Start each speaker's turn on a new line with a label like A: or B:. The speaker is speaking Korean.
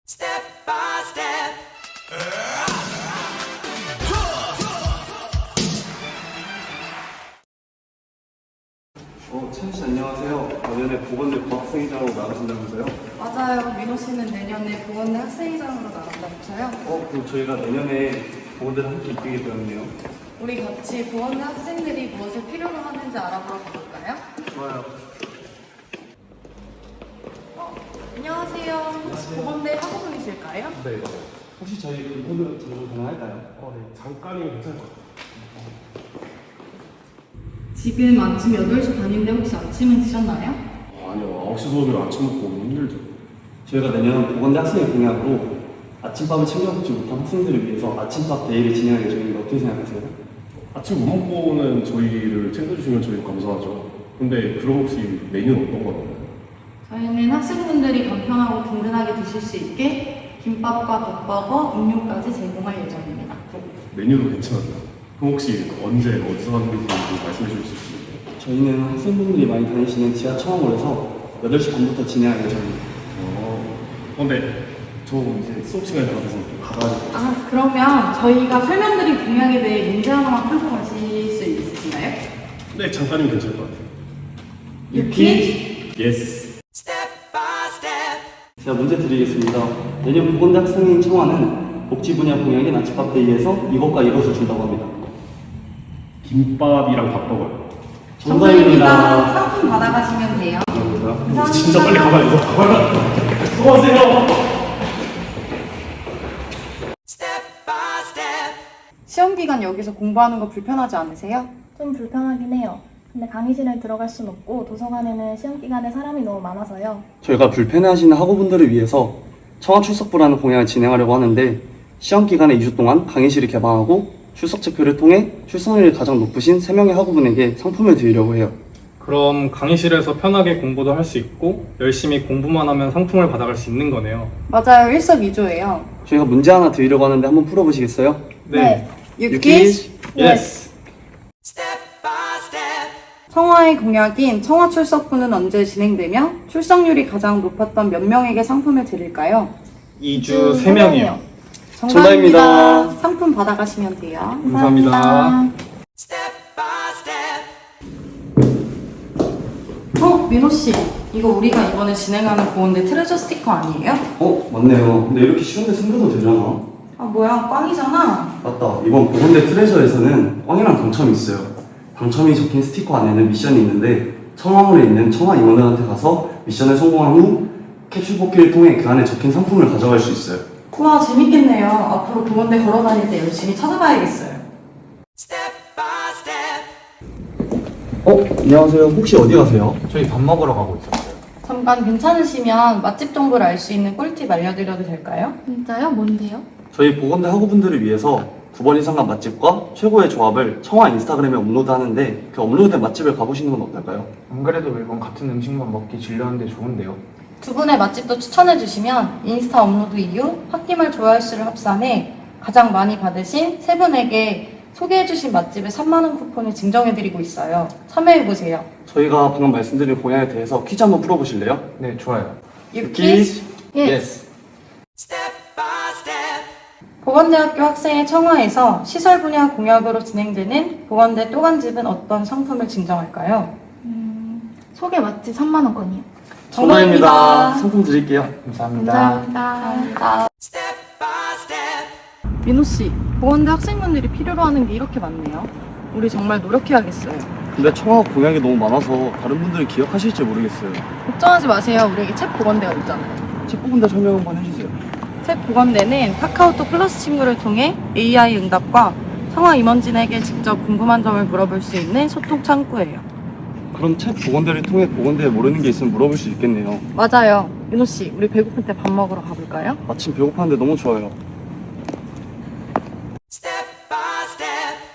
A: Step by step.
B: 채연 씨 안녕하세요. 내년에 보건대 부학생회장으로 나가신다면서요?
C: 맞아요. 민호 씨는 내년에 보건대 학생회장으로 나간다면서요?
B: 그럼 저희가 내년에 보건대를 함께 이끌게 되었네요.
C: 우리 같이 보건대 학생들이 무엇을 필요로 하는지 알아보러 가볼까요?
B: 좋아요.
C: 안녕하세요. 혹시 보건대 학우분이실까요?
B: 네. 혹시 저희 이분으로 전화 가능할까요?
D: 네. 잠깐이면 괜찮을 것 같아요.
C: 지금 아침 8시 반인데 혹시 아침은 드셨나요?
D: 아니요. 9시 수업이라 아침 먹고 오기 힘들죠.
B: 저희가 내년 보건대 학생회 공약으로 아침밥을 챙겨 먹지 못한 학생들을 위해서 아침밥 데이를 진행할 예정인데 어떻게 생각하세요?
D: 아침 못 먹고 오는 저희를 챙겨주시면 저희 감사하죠. 근데 그럼 혹시 메뉴는 어떤 거 나와요?
C: 저희는 학생분들이 간편하고 든든하게 드실 수 있게 김밥과 덮밥과 음료까지 제공할 예정입니다.
D: 메뉴도 괜찮아요. 그럼 혹시 언제 어디서 하는 건지 말씀해 주실 수 있나요?
B: 저희는 학생분들이 많이 다니시는 지하 청원홀에서 8시 반부터 진행할 예정입니다.
D: 근데 저 이제 수업 시간이 다 돼서 좀 가봐야 될 것 같아요.
C: 그러면 저희가 설명드린 공약에 대해 문제 하나만 풀고 가실 수 있으신가요?
D: 네, 잠깐이면 괜찮을 것 같아요.
C: 유키?
D: 예스.
A: Step by step.
B: 제가 문제 드리겠습니다. 내년 보건대 학생회인 청와는 복지 분야 공약인 아침밥 데이에서 이것과 이것을 준다고 합니다.
D: 김밥이랑 밥 먹어요.
B: 정답입니다.
C: 상품 받아가시면 돼요. 감사합니다.
D: 진짜 빨리 가봐야 돼서 가봐야 수고하세요.
A: Step by step.
C: 시험 기간 여기서 공부하는 거 불편하지 않으세요?
E: 좀 불편하긴 해요. 근데 강의실에 들어갈 순 없고 도서관에는 시험 기간에 사람이 너무 많아서요.
B: 저희가 불편해하시는 학우분들을 위해서 청와 출석부라는 공약을 진행하려고 하는데 시험 기간에 2주 동안 강의실을 개방하고 출석 체크를 통해 출석률이 가장 높으신 3명의 학우분에게 상품을 드리려고 해요.
F: 그럼 강의실에서 편하게 공부도 할 수 있고 열심히 공부만 하면 상품을 받아갈 수 있는 거네요.
C: 맞아요. 일석이조예요.
B: 저희가 문제 하나 드리려고 하는데 한번 풀어보시겠어요?
E: 네.
C: 유키?
F: 예스.
A: Step by step.
C: 청와의 공약인 청와 출석부는 언제 진행되며 출석률이 가장 높았던 몇 명에게 상품을 드릴까요?
F: 2주 3명이요.
B: 정답입니다.
C: 상품 받아가시면 돼요.
F: 감사합니다.
A: Step by step.
C: 민호 씨, 이거 우리가 이번에 진행하는 보건대 트레저 스티커 아니에요?
B: 맞네요. 근데 이렇게 쉬운데 숨겨도 되려나?
C: 뭐야, 꽝이잖아.
B: 맞다. 이번 보건대 트레저에서는 꽝이랑 당첨이 있어요. 당첨이 적힌 스티커 안에는 미션이 있는데 청와홀에 있는 청와 임원들한테 가서 미션을 성공한 후 캡슐 뽑기를 통해 그 안에 적힌 상품을 가져갈 수 있어요.
C: 우와, 재밌겠네요. 앞으로 보건대 걸어 다닐 때 열심히 찾아봐야겠어요.
A: Step by step.
B: 안녕하세요. 혹시 어디 가세요?
F: 저희 밥 먹으러 가고 있었어요.
C: 잠깐 괜찮으시면 맛집 정보를 알 수 있는 꿀팁 알려드려도 될까요?
E: 진짜요? 뭔데요?
B: 저희 보건대 학우분들을 위해서 9번 이상 간 맛집과 최고의 조합을 청와 인스타그램에 업로드하는데 그 업로드된 맛집을 가보시는 건 어떨까요?
G: 안 그래도 매번 같은 음식만 먹기 질렸는데 좋은데요?
C: 두 분의 맛집도 추천해주시면 인스타 업로드 이후 홧김을 좋아할 수를 합산해 가장 많이 받으신 세 분에게 소개해주신 맛집에 3만원 쿠폰을 증정해드리고 있어요. 참여해보세요.
B: 저희가 방금 말씀드린 공약에 대해서 퀴즈 한번 풀어보실래요?
G: 네, 좋아요.
C: 유키?
G: 예스.
A: Step by step.
C: 보건대학교 학생의 청와에서 시설 분야 공약으로 진행되는 보건대 또간집은 어떤 상품을 증정할까요?
E: 소개 맛집 3만원권이요.
C: 정답입니다.
B: 상품 드릴게요.
G: 감사합니다.
E: 감사합니다.
A: Step by step.
C: 민호씨, 보건대 학생분들이 필요로 하는 게 이렇게 많네요. 우리 정말 노력해야겠어요.
B: 근데 청와 공약이 너무 많아서 다른 분들이 기억하실지 모르겠어요.
C: 걱정하지 마세요. 우리에게 책 보건대가 있잖아요.
B: 책 뽑은데 설명 한번 해주세요.
C: 책 보건대는 카카오톡 플러스 친구를 통해 AI 응답과 청와 임원진에게 직접 궁금한 점을 물어볼 수 있는 소통 창구예요.
B: 그럼 책 보건대를 통해 보건대에 모르는 게 있으면 물어볼 수 있겠네요.
C: 맞아요. 민호씨, 우리 배고플 때 밥 먹으러 가볼까요?
B: 마침 배고팠는데 너무 좋아요.
A: Step by step.